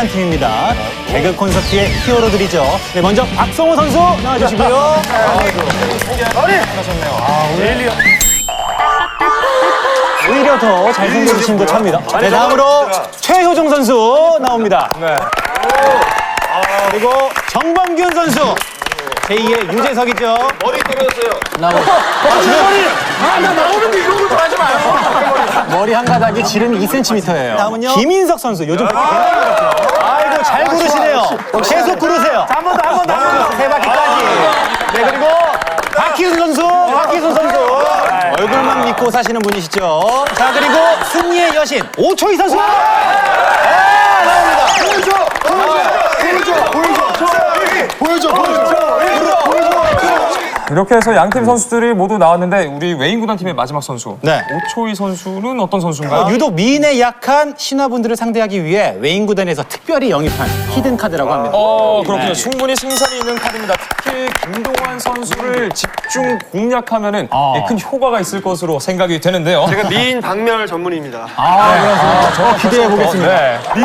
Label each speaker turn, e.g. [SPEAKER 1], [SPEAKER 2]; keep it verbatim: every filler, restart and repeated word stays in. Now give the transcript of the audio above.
[SPEAKER 1] 강력한 팀입니다. 개그 콘서트의 히어로들이죠. 네, 먼저 박성호 선수 나와주시고요. 오히려 더 잘생겨주신 듯 합니다. 네, 다음으로 최효정 선수 나옵니다. 그리고 정범균 선수. 제이의 유재석이죠.
[SPEAKER 2] 머리 떨어졌어요.
[SPEAKER 3] 아, 나 나오는데 이런 걸 하지 마요.
[SPEAKER 1] 머리 한 가닥이 지름이 이 센티미터예요. 다음은요. 김인석 선수. 요즘 아이고 잘 구르시네요. 계속 구르세요. 한 번 더, 한 번 더. 세 바퀴까지. 네, 그리고 박희순 선수. 박희순 선수. 얼굴만 믿고 사시는 분이시죠. 자, 그리고 승리의 여신 오초희 선수. 아, 나옵니다.
[SPEAKER 2] 보여줘! 보여줘! 보여줘! 보여줘! 보여줘!
[SPEAKER 4] 이렇게 해서 양팀 선수들이 모두 나왔는데 우리 웨인구단 팀의 마지막 선수
[SPEAKER 1] 네.
[SPEAKER 4] 오초희 선수는 어떤 선수인가요?
[SPEAKER 1] 어, 유독 미인에 약한 신화분들을 상대하기 위해 웨인 구단에서 특별히 영입한 히든 카드라고 합니다.
[SPEAKER 4] 어 그렇군요. 충분히 승산이 있는 카드입니다. 특히 김동완 선수를 집중 공략하면은 예, 큰 효과가 있을 것으로 생각이 되는데요.
[SPEAKER 2] 제가 미인 박멸 전문입니다.
[SPEAKER 1] 아, 그래서 저 기대해 보겠습니다.
[SPEAKER 4] 네.